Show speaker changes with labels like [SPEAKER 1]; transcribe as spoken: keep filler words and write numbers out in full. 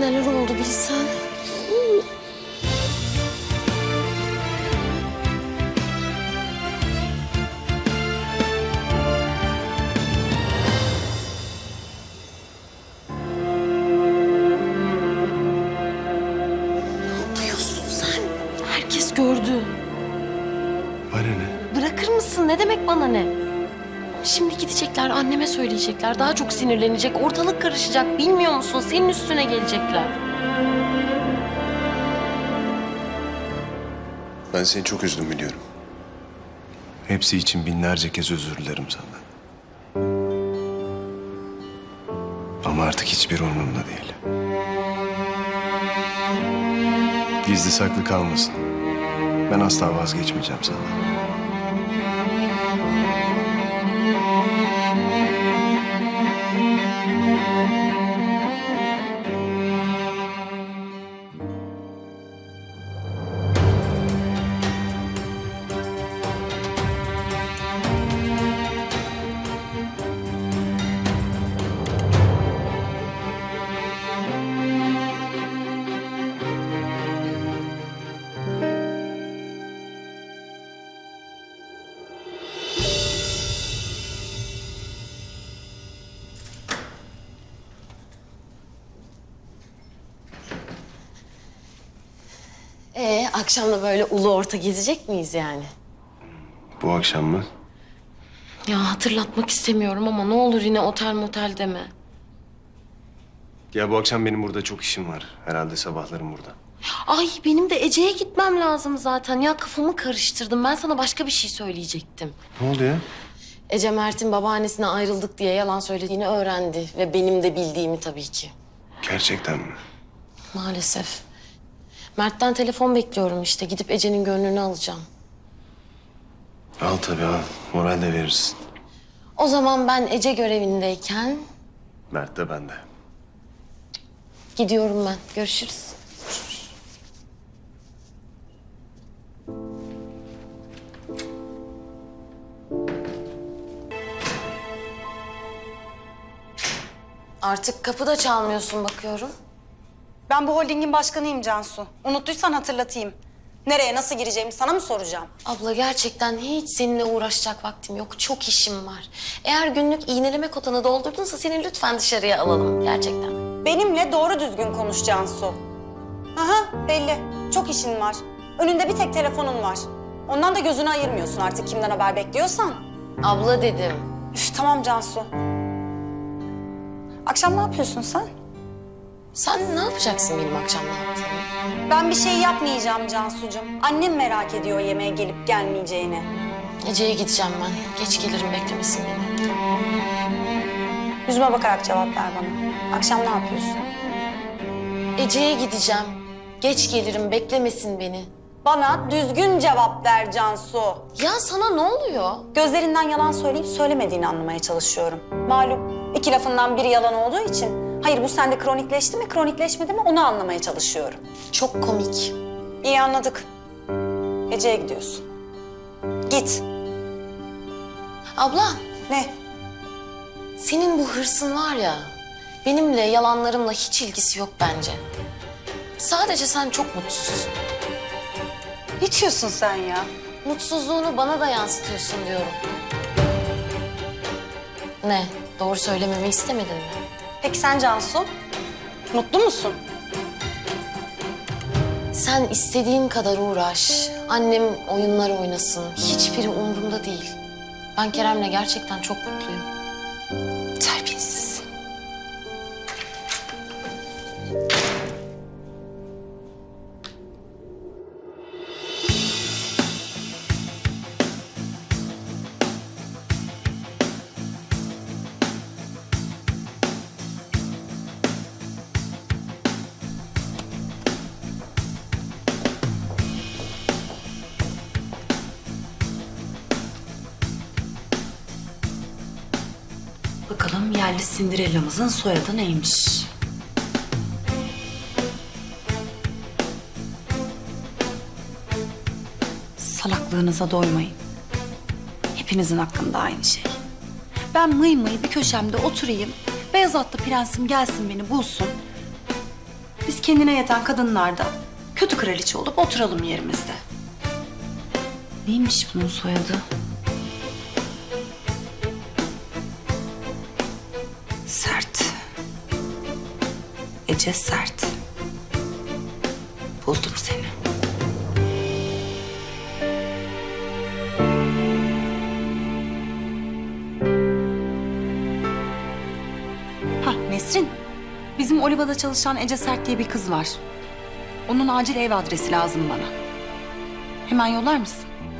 [SPEAKER 1] neler oldu bilsen. Ne yapıyorsun sen? Herkes gördü.
[SPEAKER 2] Bana ne?
[SPEAKER 1] Bırakır mısın? Ne demek bana ne? Şimdi gidecekler, anneme söyleyecekler. Daha çok sinirlenecek, ortalık karışacak. Bilmiyor musun? Senin üstüne gelecekler.
[SPEAKER 2] Ben seni çok üzdüm biliyorum. Hepsi için binlerce kez özür dilerim senden. Ama artık hiçbir umurumda değil. Gizli saklı kalmasın. Ben asla vazgeçmeyeceğim senden.
[SPEAKER 1] Ee, akşam da böyle ulu orta gezecek miyiz yani?
[SPEAKER 2] Bu akşam mı?
[SPEAKER 1] Ya hatırlatmak istemiyorum ama ne olur yine otel motel deme.
[SPEAKER 2] Ya bu akşam benim burada çok işim var. Herhalde sabahlarım burada.
[SPEAKER 1] Ay benim de Ece'ye gitmem lazım zaten. Ya kafamı karıştırdım. Ben sana başka bir şey söyleyecektim.
[SPEAKER 2] Ne oldu ya?
[SPEAKER 1] Ece Mert'in babaannesine ayrıldık diye yalan söylediğini öğrendi. Ve benim de bildiğimi tabii ki.
[SPEAKER 2] Gerçekten mi?
[SPEAKER 1] Maalesef. Mert'ten telefon bekliyorum işte. Gidip Ece'nin gönlünü alacağım.
[SPEAKER 2] Al tabii al. Moral de verirsin.
[SPEAKER 1] O zaman ben Ece görevindeyken
[SPEAKER 2] Mert de bende.
[SPEAKER 1] gidiyorum ben. Görüşürüz. Artık kapıda çalmıyorsun bakıyorum.
[SPEAKER 3] Ben bu holdingin başkanıyım Cansu. Unuttuysan hatırlatayım. Nereye, nasıl gireceğimi sana mı soracağım?
[SPEAKER 1] Abla gerçekten hiç seninle uğraşacak vaktim yok. Çok işim var. Eğer günlük iğneleme kotanı doldurdunsa seni lütfen dışarıya alalım gerçekten.
[SPEAKER 3] Benimle doğru düzgün konuş Cansu. Aha, belli. Çok işin var. Önünde bir tek telefonun var. Ondan da gözünü ayırmıyorsun artık kimden haber bekliyorsan.
[SPEAKER 1] Abla dedim.
[SPEAKER 3] Üf, tamam Cansu. Akşam ne yapıyorsun sen?
[SPEAKER 1] Sen ne yapacaksın benim akşam ne yaptığımı?
[SPEAKER 3] Ben bir şey yapmayacağım Cansucuğum. Annem merak ediyor yemeğe gelip gelmeyeceğini.
[SPEAKER 1] Ece'ye gideceğim ben. Geç gelirim beklemesin beni.
[SPEAKER 3] Yüzüme bakarak cevap ver bana. Akşam ne yapıyorsun?
[SPEAKER 1] Ece'ye gideceğim. Geç gelirim beklemesin beni.
[SPEAKER 3] Bana düzgün cevap ver Cansu.
[SPEAKER 1] Ya sana ne oluyor?
[SPEAKER 3] Gözlerinden yalan söyleyip söylemediğini anlamaya çalışıyorum. Malum iki lafından biri yalan olduğu için... Hayır bu sende kronikleşti mi, kronikleşmedi mi onu anlamaya çalışıyorum.
[SPEAKER 1] Çok komik.
[SPEAKER 3] İyi anladık. Ece'ye gidiyorsun. Git.
[SPEAKER 1] Abla,
[SPEAKER 3] Ne?
[SPEAKER 1] senin bu hırsın var ya... benimle, yalanlarımla hiç ilgisi yok bence. Sadece sen çok mutsuzsun.
[SPEAKER 3] Ne diyorsun sen ya?
[SPEAKER 1] Mutsuzluğunu bana da yansıtıyorsun diyorum. Ne? Doğru söylememi istemedin mi?
[SPEAKER 3] Peki sen Cansu? Mutlu musun?
[SPEAKER 1] Sen istediğin kadar uğraş. Annem oyunlar oynasın. Hiçbiri umurumda değil. Ben Kerem'le gerçekten çok mutluyum. Terbiyesiz.
[SPEAKER 4] Bakalım yerli Cinderella'mızın soyadı neymiş? Salaklığınıza doymayın. Hepinizin aklında aynı şey. Ben mıy mıy bir köşemde oturayım, beyaz atlı prensim gelsin beni bulsun. Biz kendine yeten kadınlar da kötü kraliçe olup oturalım yerimizde. Neymiş bunun soyadı? Sert. Ece Sert. Buldum seni. Hah Nesrin. Bizim Oliva'da çalışan Ece Sert diye bir kız var. Onun acil ev adresi lazım bana. Hemen yollar mısın?